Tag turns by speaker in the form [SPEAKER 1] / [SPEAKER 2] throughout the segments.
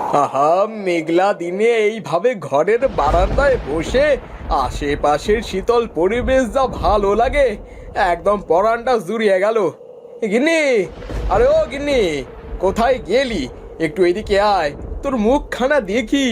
[SPEAKER 1] আহা, মেঘলা দিনে এইভাবে ঘরের বারান্দায় বসে আশেপাশের শীতল পরিবেশ যা ভালো লাগে, একদম পরানটা জুড়িয়ে গেল। গিন্নি, আরে ও গিন্নি, কোথায় গেলি? একটু এদিকে আয়, তোর মুখখানা দেখি।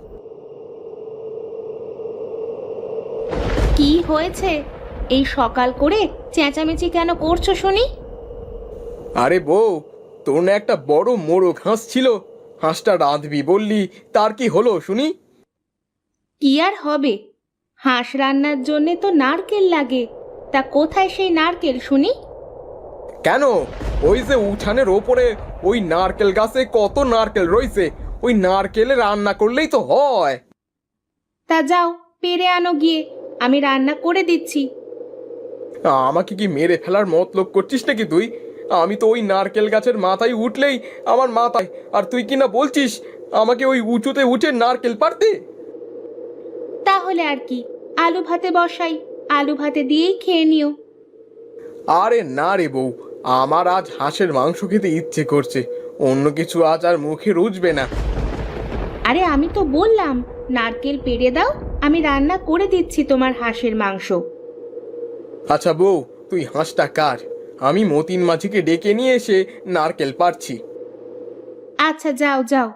[SPEAKER 2] কি হয়েছে? এই সকাল করে চেঁচামেচি কেন করছো শুনি?
[SPEAKER 1] আরে বউ, তোর না একটা বড় মোরগ হাঁস ছিল, হাঁসটা রাঁধবি বললি, তার কি হলো শুনি?
[SPEAKER 2] কি আর হবে, হাঁস রান্নার জন্যে তো নারকেল লাগে। তা কোথায় সেই নারকেল শুনি?
[SPEAKER 1] কেন? ওই যে উঠানের ওপরে ওই নারকেল গাছে কত নারকেল রয়েছে, ওই নারকেলে রান্না করলেই তো হয়।
[SPEAKER 2] তা যাও পেরে আনো গিয়ে, আমি রান্না করে দিচ্ছি।
[SPEAKER 1] আমাকে কি মেরে ফেলার মতলব করছিস নাকি তুই? আমি তো ওই নারকেল গাছের মাথায় উঠলেই আমার মাথায়, আর তুই কি না বলছিস আমাকে ওই উঁচুতে উঠে নারকেল পারতে?
[SPEAKER 2] তাহলে আর কি, আলু ভাতে বসাই, আলু ভাতে দিয়েই খেয়ে নিও।
[SPEAKER 1] আরে না রে বউ, আমার আজ হাঁসের মাংস খেতে ইচ্ছে করছে, অন্য কিছু আজ আর মুখে রুচবে না।
[SPEAKER 2] আরে আমি তো বললাম নারকেল পেড়ে দাও, আমি রান্না করে দিচ্ছি তোমার হাঁসের মাংস।
[SPEAKER 1] আচ্ছা বউ, তুই হাঁসটা কাট, আমি মতিন মাঝিকে ডেকে নিয়ে এসে নারকেল পারছি।
[SPEAKER 2] আচ্ছা যাও যাও।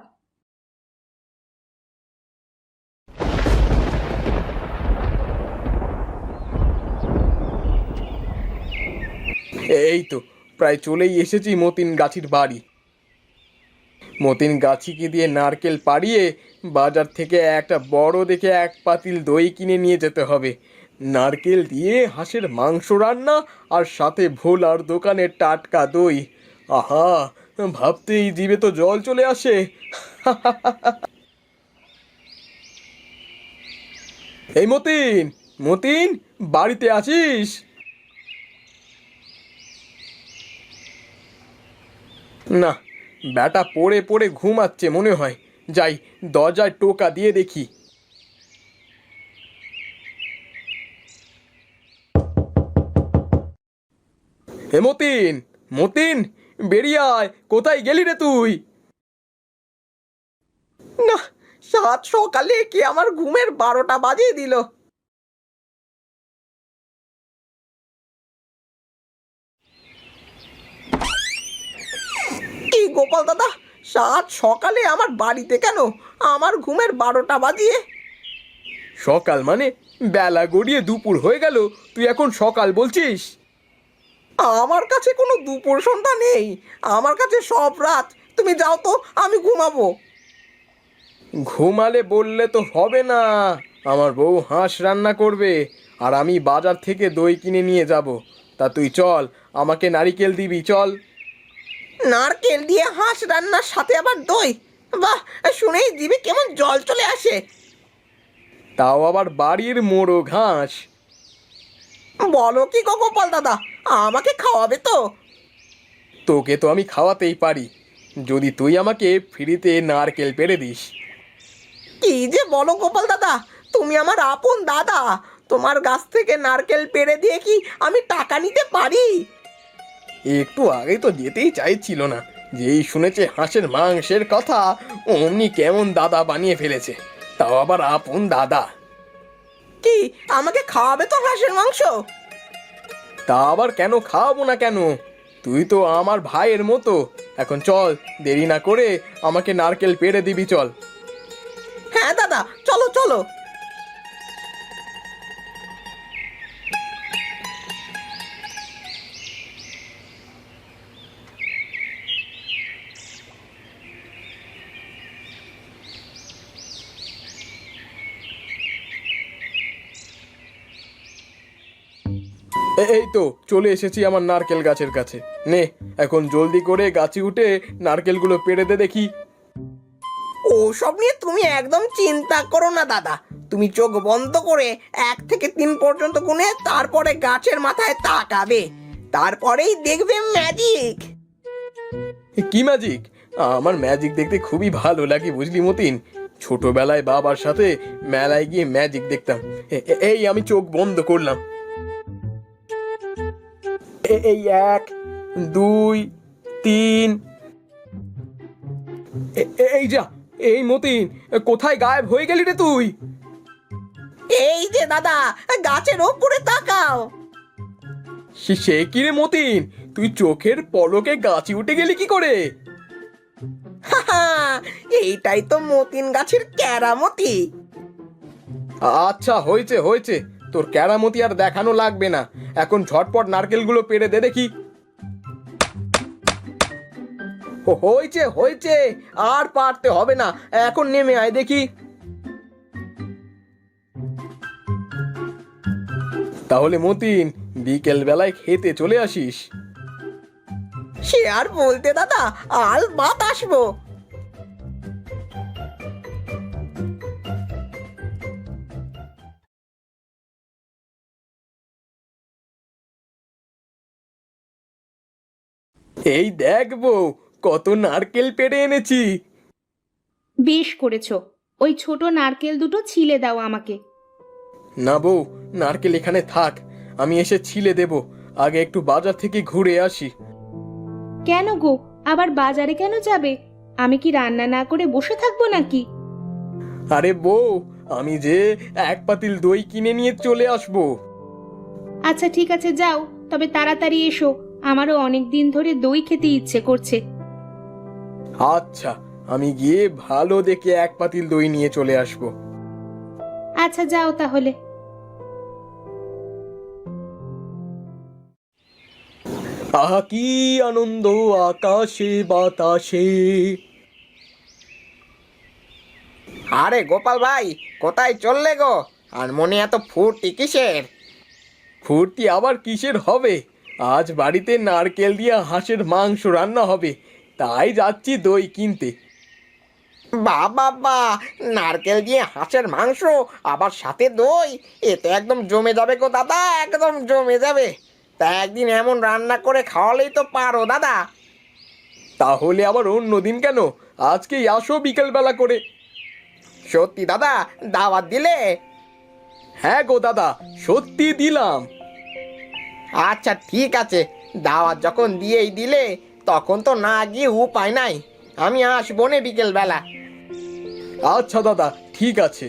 [SPEAKER 1] এই তো প্রায় চলেই এসেছি মতিন গাছির বাড়ি। মতিন গাছিকে দিয়ে নারকেল পাড়িয়ে বাজার থেকে একটা বড় দেখে এক পাতিল দই কিনে নিয়ে যেতে হবে। নারকেল দিয়ে হাঁসের মাংস রান্না, আর সাথে ভোলার দোকানের টাটকা দই। আহা, ভাবতেই জিভে তো জল চলে আসে। এই মতিন, মতিন, বাড়িতে আছিস? না, ব্যাটা পড়ে পড়ে ঘুমাচ্ছে মনে হয়। যাই, দরজায় টোকা দিয়ে দেখি। হে মতিন, মতিন, বেরিয়ে আয়, কোথায় গেলি রে তুই? না, সাত সকালে কি আমার ঘুমের 12টা বাজিয়ে দিল। কি গোপাল দাদা, সাত সকালে আমার বাড়িতে কেন? আমার ঘুমের 12টা বাজিয়ে? সকাল মানে বেলা গড়িয়ে দুপুর হয়ে গেল, তুই এখন সকাল বলছিস? আমার কাছে কোনো দুপুর সন্ধ্যা নেই, আমার কাছে সব রাত। তুমি যাও তো, আমি ঘুমাবো। ঘুমালে বললে তো হবে না, আমার বউ হাঁস রান্না করবে, আর আমি বাজার থেকে দই কিনে নিয়ে যাব। তা তুই চল, আমাকে নারিকেল দিবি, চল। নারকেল দিয়ে হাঁস রান্নার সাথে আবার দই? বাহ, শুনেই জিভে কেমন জল চলে আসে। তাও আবার বাড়ির মোরগ হাঁস। বলো কি গো গোপাল দাদা, আমাকে খাওয়াবে তো? তোকে তো আমি খাওয়াতেই পারি, যদি তুই আমাকে ফ্রিতে নারকেল পেড়ে দিস। কি যে বলো গোপাল দাদা, তুমি আমার আপন দাদা, তোমার গাছ থেকে নারকেল পেড়ে দিয়ে কি আমি টাকা নিতে পারি? একটু আগে তো যেতেই চাইছিল না, যেই শুনেছে হাঁসের মাংসের কথা অমনি কেমন দাদা বানিয়ে ফেলেছে, তাও আবার আপন দাদা। কি, আমাকে খাওয়াবে তো হাঁসের মাংস? তা আবার কেন খাওয়াবো না কেন, তুই তো আমার ভাইয়ের মতো। এখন চল, দেরি না করে আমাকে নারকেল পেড়ে দিবি, চল। হ্যাঁ দাদা, চলো চলো। এই তো চলে এসেছি আমার নারকেল গাছের কাছে। নে, এখন জলদি করে গাছে উঠে নারকেলগুলো পেড়ে দে দেখি। ওসব নিয়ে তুমি একদম চিন্তা করো না দাদা, তুমি চোখ বন্ধ করে 1 থেকে 3 পর্যন্ত গুনে তারপরে গাছের মাথায় তাকাবে, তারপরেই দেখবে ম্যাজিক। কি ম্যাজিক? আমার ম্যাজিক দেখতে খুবই ভালো লাগে বুঝলি মতিন, ছোটবেলায় বাবার সাথে মেলায় গিয়ে ম্যাজিক দেখতাম। এই আমি চোখ বন্ধ করলাম, এই 1, 2, 3, এই যা, এই মতিন, কোথায় গায়েব হয়ে গেলি রে তুই?
[SPEAKER 3] এই যে দাদা, গাছের ওপরে তাকাও।
[SPEAKER 1] সে কি রে মতিন, তুই চোখের পলকে গাছে উঠে গেলি কি করে?
[SPEAKER 3] হাহা, এইটাই তো মতিন গাছের কেরামতি।
[SPEAKER 1] আচ্ছা, হয়েছে হয়েছে, তোর কেরামতি আর দেখানো লাগবে না। এখন ঝটপট নারকেলগুলো পেড়ে দে দেখি। হয়েছে হয়েছে, আর পারতে হবে না, এখন নেমে আয় দেখি। তাহলে মতিন, বিকেল বেলায় খেতে চলে আসিস।
[SPEAKER 3] সে আর বলতে দাদা, আল বাত আসবো।
[SPEAKER 1] এই দেখ বউ, কত নারকেল পেড়ে এনেছি।
[SPEAKER 2] বেশ করেছো। ওই ছোট নারকেল দুটো ছিলে দাও আমাকে।
[SPEAKER 1] না বউ, নারকেল এখানে থাক, আমি এসে ছিলে দেব। আগে একটু বাজার থেকে ঘুরে আসি।
[SPEAKER 2] কেন গো, আবার বাজারে কেন যাবে? আমি কি রান্না না করে বসে থাকবো নাকি?
[SPEAKER 1] আরে বউ, আমি যে এক পাতিল দই কিনে নিয়ে চলে আসবো।
[SPEAKER 2] আচ্ছা ঠিক আছে, যাও, তবে তাড়াতাড়ি এসো। আমারও অনেক দিন ধরে দই খেতে ইচ্ছে করছে।
[SPEAKER 1] আচ্ছা, আমি গিয়ে ভালো দেখে এক পাতিল দই নিয়ে চলে আসবো।
[SPEAKER 2] আচ্ছা যাও তাহলে।
[SPEAKER 1] আহা কি আনন্দ আকাশে বাতাসে।
[SPEAKER 3] আরে গোপাল ভাই, কোথায় চললে গো? আর মনে এত ফুর্তি কিসের?
[SPEAKER 1] ফুর্তি আবার কিসের হবে? আজ বাড়িতে নারকেল দিয়ে হাঁসের মাংস রান্না হবে, তাই যাচ্ছি দই কিনতে।
[SPEAKER 3] বাবা বা, নারকেল দিয়ে হাঁসের মাংস, আবার সাথে দই, এ তো একদম জমে যাবে গো দাদা, একদম জমে যাবে। তা একদিন এমন রান্না করে খাওয়ালেই তো পারো দাদা।
[SPEAKER 1] তাহলে আবার অন্য দিন কেন? আজকেই আসো বিকেল বেলা করে।
[SPEAKER 3] সত্যি দাদা, দাওয়াত দিলে?
[SPEAKER 1] হ্যাঁ গো দাদা, সত্যি দিলাম।
[SPEAKER 3] আচ্ছা ঠিক আছে, দাওয়াত যখন দিয়েই দিলে, তখন তো না গিয়ে উপায় নাই। আমি আসবো নে বিকেল বেলা।
[SPEAKER 1] আচ্ছা দাদা, ঠিক আছে।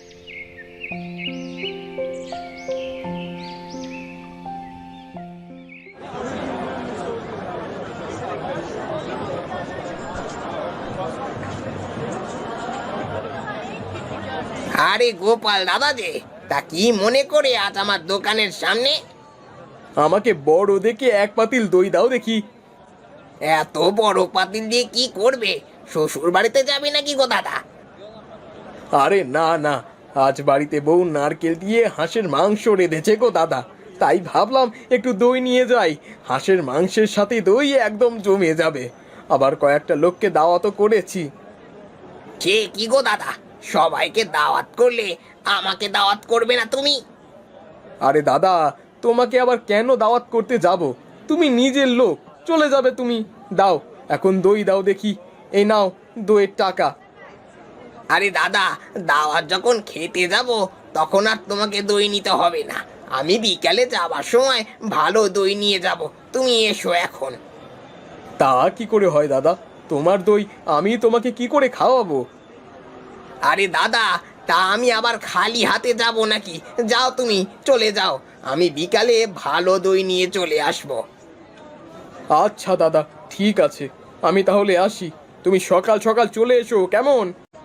[SPEAKER 3] আরে গোপাল দাদা যে, তা কি মনে করে আজ আমার দোকানের সামনে?
[SPEAKER 1] আমাকে বড় দেখে এক পাতিল দই দাও দেখি।
[SPEAKER 3] এত বড় পাতিল দিয়ে কি করবে? শ্বশুর বাড়িতে যাবে নাকি গো দাদা?
[SPEAKER 1] আরে না না, আজ বাড়িতে বউ নারকেল দিয়ে হাঁসের মাংস রেঁধেছে গো দাদা, তাই ভাবলাম একটু দই নিয়ে যাই। হাঁসের মাংসের সাথে দই একদম জমে যাবে। আবার কয়েকটা লোককে দাওয়াতও করেছি।
[SPEAKER 3] সে কি গো দাদা, সবাইকে দাওয়াত করলে আমাকে দাওয়াত করবে না তুমি?
[SPEAKER 1] আরে দাদা, তোমাকে আবার কেন দাওয়াত করতে যাব? তুমি নিজের লোক, চলে যাবে তুমি। দাও, এখন দই দাও দেখি। এই নাও দইয়ের টাকা।
[SPEAKER 3] আরে দাদা, দাওয়াত যখন খেতে যাব, তখন আর তোমাকে দই নিতে হবে না। আমি বিকালে যাবার সময় ভালো দই নিয়ে যাব, তুমি এসো এখন।
[SPEAKER 1] তা কি করে হয় দাদা? তোমার দই আমি তোমাকে কি করে খাওয়াবো?
[SPEAKER 3] আরে দাদা, তা আমি আবার খালি হাতে যাব নাকি? যাও তুমি, চলে যাও, আমি বিকালে ভালো দই নিয়ে চলে আসবো।
[SPEAKER 1] আচ্ছা দাদা, ঠিক আছে, আমি তাহলে আসি। তুমি সকাল সকাল চলে এসো কেমন?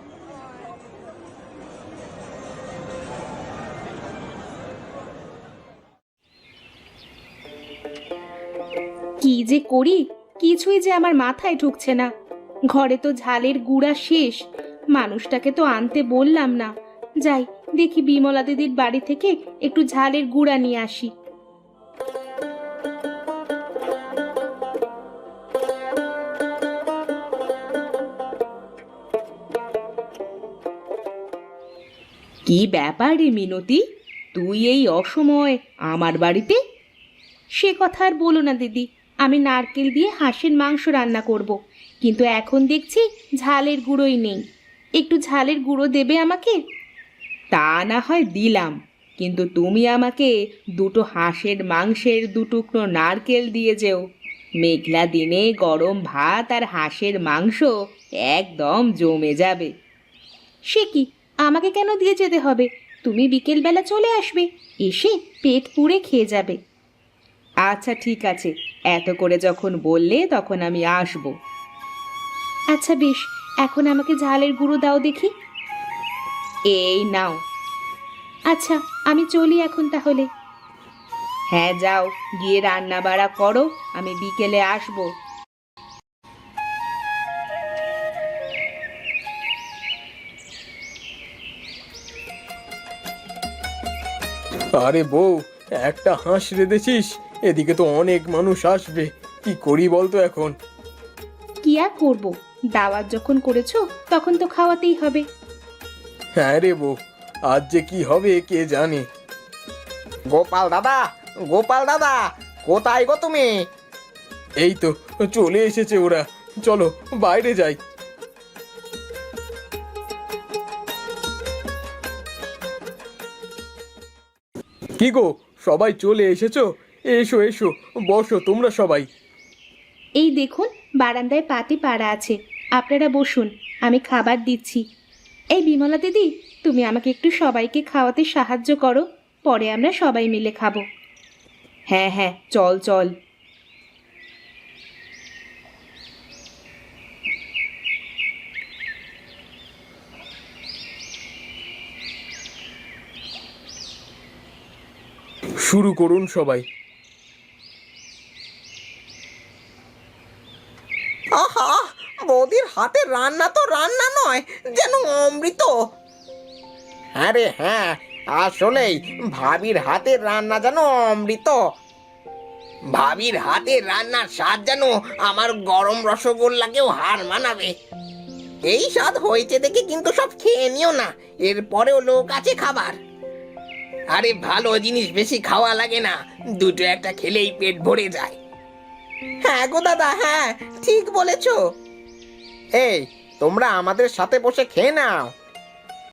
[SPEAKER 2] কি যে করি, কিছুই যে আমার মাথায় ঢুকছে না। ঘরে তো ঝালের গুঁড়া শেষ, মানুষটাকে তো আনতে বললাম না। যাই, দেখি বিমলা দিদির বাড়ি থেকে একটু ঝালের গুঁড়া নিয়ে আসি। কি ব্যাপার রে মিনতি, তুই এই অসময় আমার বাড়িতে? সে কথা আর বলো না দিদি, আমি নারকেল দিয়ে হাঁসের মাংস রান্না করব, কিন্তু এখন দেখছি ঝালের গুঁড়োই নেই। একটু ঝালের গুঁড়ো দেবে আমাকে? তা না হয় দিলাম, কিন্তু তুমি আমাকে দুটো হাঁসের মাংসের 2 টুকরো নারকেল দিয়ে যেও। মেঘলা দিনে গরম ভাত আর হাঁসের মাংস একদম জমে যাবে। সে কি, আমাকে কেন দিয়ে যেতে হবে? তুমি বিকেলবেলা চলে আসবে, এসে পেট পুড়ে খেয়ে যাবে। আচ্ছা ঠিক আছে, এত করে যখন বললে তখন আমি আসব। আচ্ছা বেশ, এখন আমাকে ঝালের গুঁড়ো দাও দেখি। এই নাও। আচ্ছা আমি চলি এখন তাহলে। হ্যাঁ যাও, গিয়ে রান্না বাড়া করো, আমি বিকেলে আসবো।
[SPEAKER 1] আরে বউ, একটা হাঁস রেঁধেছিস? এদিকে তো অনেক মানুষ আসবে, কি করি বলতো এখন?
[SPEAKER 2] কি আর করবো, দাওয়াত যখন করেছো তখন তো খাওয়াতেই হবে।
[SPEAKER 1] হ্যাঁ রে বউ, আজ যে কি হবে কে জানে।
[SPEAKER 3] গোপাল দাদা, গোপাল দাদা, কোথায় গো তুমি?
[SPEAKER 1] এই তো চলে এসেছে ওরা, চলো বাইরে যাই। কি গো, সবাই চলে এসেছো? এসো এসো, বসো তোমরা সবাই।
[SPEAKER 2] এই দেখুন, বারান্দায় পাটি পাড়া আছে, আপনারা বসুন, আমি খাবার দিচ্ছি। এই বিমলা দিদি, তুমি আমাকে একটু সবাইকে খাওয়াতে সাহায্য করো, পরে আমরা সবাই মিলে খাবো। হ্যাঁ হ্যাঁ, চল চল।
[SPEAKER 1] শুরু করুন সবাই।
[SPEAKER 3] আহা, বৌদির হাতের রান্না তো রান্না নয়, যেন অমৃত। হ্যাঁ রে হ্যাঁ, আসলেই ভাবির হাতের রান্না যেন অমৃত। ভাবির হাতের রান্নার স্বাদ যেন আমার গরম রসগোল্লাকেও হার মানাবে। এই স্বাদ হয়েছে দেখে কিন্তু সব খেয়ে নিও না, এরপরেও লোক আছে খাবার। আরে ভালো জিনিস বেশি খাওয়া লাগে না, দুটো একটা খেলেই পেট ভরে যায়। হ্যাঁ গো দাদা, হ্যাঁ ঠিক বলেছো। এই তোমরা আমাদের সাথে বসে খেয়ে নাও।